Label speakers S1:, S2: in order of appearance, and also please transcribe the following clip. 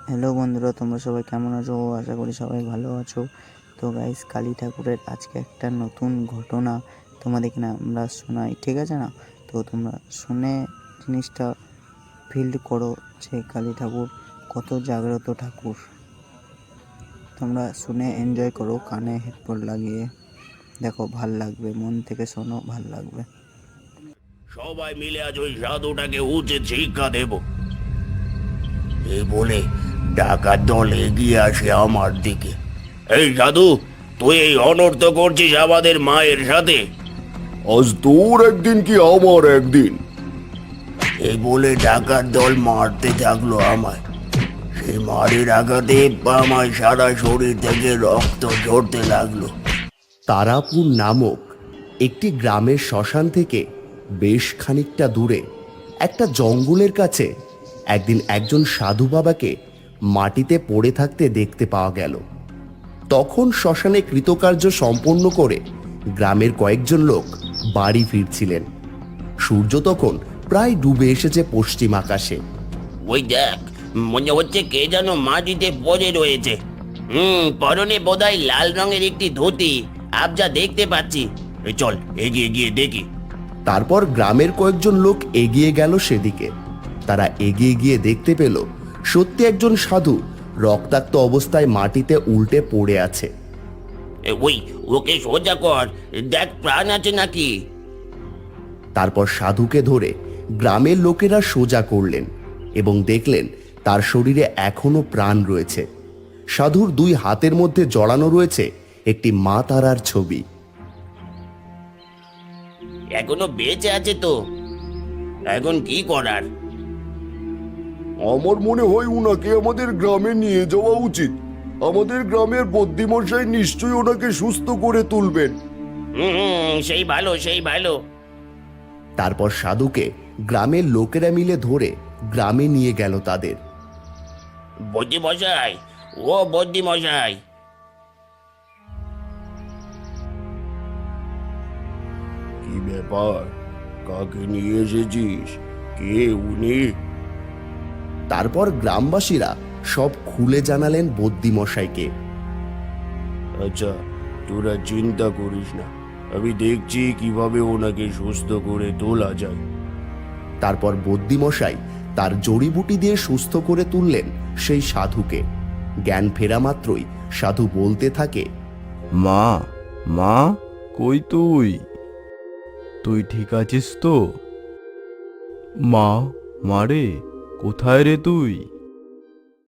S1: Hello বন্ধুরা, তোমরা সবাই কেমন আছো? আশা করি সবাই ভালো আছো। তো গাইস, কালী ঠাকুরের আজকে একটা নতুন ঘটনা তোমাদেরকে না আমরা শোনাই, ঠিক আছে না? তো তোমরা শুনে জিনিসটা ফিল করো যে কালী ঠাকুর কত জাগ্রত ঠাকুর। তোমরা শুনে এনজয় করো, কানে হেডফোন লাগিয়ে দেখো, ভাল লাগবে। মন থেকে শোনো, ভাল লাগবে।
S2: সবাই মিলে আজ ওই সাধুটাকে উচিত শিক্ষা দেব। এই বলে ডাকাত দল এগিয়ে আসে আমার দিকে। এই সাধু, তুই এই অনর্থ করছিস আমাদের মায়ের সাথে।
S3: আজ তোর একদিন কি আমার একদিন।
S2: এই বলে ডাকাত দল মারতে থাকলো আমায়। সেই মারের আঘাতে আমার সারা শরীর থেকে রক্ত ঝরতে লাগলো।
S4: তারাপুর নামক একটি গ্রামের শ্মশান থেকে বেশ খানিকটা দূরে একটা জঙ্গলের কাছে একদিন একজন সাধু বাবাকে মাটিতে পড়ে থাকতে দেখতে পাওয়া গেল। তখন শ্মশানে কৃতকার্য সম্পন্ন করে গ্রামের কয়েকজন লোক বাড়ি ফিরছিলেন। সূর্য তখন প্রায় ডুবে এসেছে পশ্চিম আকাশে।
S2: ওই দেখ, মনে হচ্ছে কে যেন মাটিতে পড়ে রয়েছে। পরনে বোধহয় লাল রঙের একটি ধুতি, আবজা দেখতে পাচ্ছি। চল এগিয়ে গিয়ে দেখি।
S4: তারপর গ্রামের কয়েকজন লোক এগিয়ে গেল সেদিকে। তারা এগিয়ে গিয়ে দেখতে পেল সত্যি একজন সাধু রক্তাক্ত অবস্থায় মাটিতে উল্টে পড়ে আছে।
S2: ওই, ওকে সোজা কর, দেখ প্রাণ আছে নাকি।
S4: তারপর সাধুকে ধরে গ্রামের লোকেরা সোজা করলেন এবং দেখলেন তার শরীরে এখনো প্রাণ রয়েছে। সাধুর দুই হাতের মধ্যে জড়ানো রয়েছে একটি মা তারার ছবি।
S2: এখনো বেঁচে আছে তো? এখন কি করার?
S3: আমার মনে হয় উনাকে আমাদের গ্রামে নিয়ে যাওয়া উচিত। আমাদের গ্রামের বদ্যিমশাই নিশ্চয়ই ওনাকে সুস্থ করে তুলবেন।
S2: সেই ভালো, সেই ভালো।
S4: তারপর সাধুকে গ্রামের লোকেরা মিলে ধরে গ্রামে নিয়ে গেল তাদের।
S2: বদ্যি মশাই, ও বদ্যি মশাই।
S3: কি ব্যাপার? কাকে নিয়ে এসেছিস? কে উনি?
S4: তারপর গ্রামবাসীরা সব খুলে জানালেন বদ্যিমশাইকে।
S3: আচ্ছা, তোরা চিন্তা করিস না, আমি দেখছি কিভাবে ওনাকে সুস্থ করে তোলা যায়।
S4: তারপর বদ্যিমশাই তার জড়িবুটি দিয়ে সুস্থ করে তুললেন সেই সাধুকে। জ্ঞান ফেরা মাত্রই সাধু বলতে থাকে,
S5: মা, মা, কই তুই? তুই ঠিক আছিস তো? মা, মারে, কোথায় রে তুই?